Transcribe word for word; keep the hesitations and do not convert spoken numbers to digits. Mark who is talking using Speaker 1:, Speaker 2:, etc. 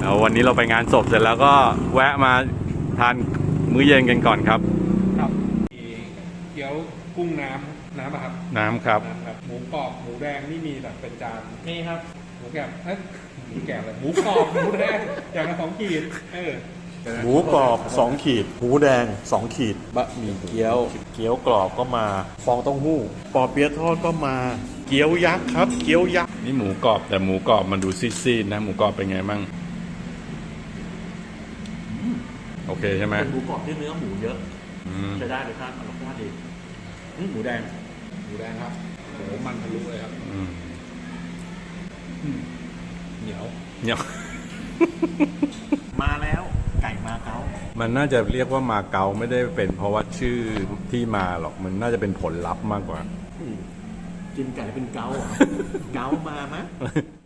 Speaker 1: แล้ววันนี้เราไปงานศพเสร็จแล้วก็แวะมาทานมื้อเย็นกันก่อนครับ
Speaker 2: ครับมีเกี๊ยวกุ้งน้ำน้ำอะครับ
Speaker 1: น้ำครับ
Speaker 2: น้ำครับหมูกรอบหมูแดงนี่มีแบบเป็นจาน
Speaker 3: นี่ครับ
Speaker 2: หมูแกะเอ้ยหมูแกะเลยหมูกรอบหมูแดงอย่างละสองขีดเออ
Speaker 4: หมูกรอบสองขีดหมูแดงสองขีดบะหมี่เกี๊ยวเกี๊ยวกรอบก็มาฟองเต้าหู้ปอเปี๊ยะทอดก็มาเกี๊ยวยักษ์ครับเกี๊ยวยักษ์
Speaker 1: นี่หมูกรอบแต่หมูกรอบมันดูซีดๆนะหมูกรอบเป็นไงมั่งโอเคใช่ไหม
Speaker 4: เป็นหมูกรอบที่เนื้อหมูเยอะใช้ได้เลยครับรสชาติดีหมูแดง
Speaker 2: หมูแดงครับโอ้มันทะลุเลยครับเหนียว
Speaker 1: เหนียว
Speaker 4: มาแล้วไก่มาเก๊า
Speaker 1: มันน่าจะเรียกว่ามาเก๊าไม่ได้เป็นเพราะว่าชื่อที่มาหรอกมันน่าจะเป็นผลลัพธ์มากกว่า
Speaker 4: กินไก่เป็นเก๊าเก๊ามาไหม